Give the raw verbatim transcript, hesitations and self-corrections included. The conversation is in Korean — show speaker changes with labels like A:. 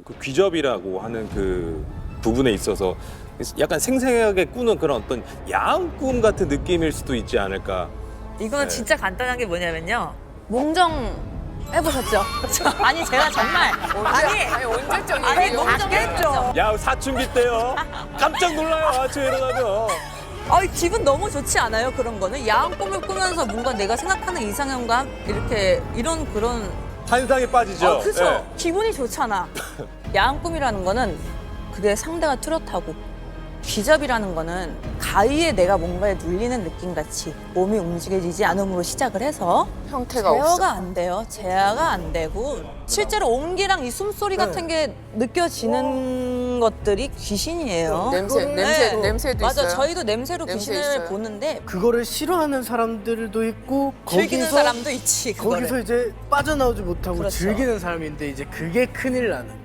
A: 그 귀접이라고 하는 그 부분에 있어서 약간 생생하게 꾸는 그런 어떤 야한 꿈 같은 느낌일 수도 있지 않을까.
B: 이거는
A: 네.
B: 진짜 간단한 게 뭐냐면요. 몽정 해보셨죠? 아니 제가 정말 아니
C: 아니 언제적인
B: 아니 몽정 했죠.
A: 야 사춘기 때요. 깜짝 놀라요 아침에 일어나면.
B: 아 기분 너무 좋지 않아요 그런 거는? 야한 꿈을 꾸면서 뭔가 내가 생각하는 이상형과 이렇게 이런 그런
A: 환상에 빠지죠.
B: 어, 그죠?
A: 예.
B: 기분이 좋잖아. 야한 꿈이라는 거는 그게 상대가 뚜렷하고 귀접이라는 거는 가위에 내가 뭔가에 눌리는 느낌같이 몸이 움직여지지 않음으로 시작을 해서
C: 형태가 없어.
B: 제어가 안 돼요. 제어가 안 되고 실제로 온기랑 이 숨소리 같은 게 느껴지는 것들이 귀신이에요.
C: 냄새, 냄새,
B: 네.
C: 냄새도
B: 맞아,
C: 있어요.
B: 저희도 냄새로
C: 냄새
B: 귀신을
C: 있어요.
B: 보는데
D: 그거를 싫어하는 사람들도 있고
B: 즐기는
D: 거기서
B: 사람도 있지. 그거를.
D: 거기서 이제 빠져나오지 못하고
B: 그렇죠.
D: 즐기는 사람인데 이제 그게 큰일 나는.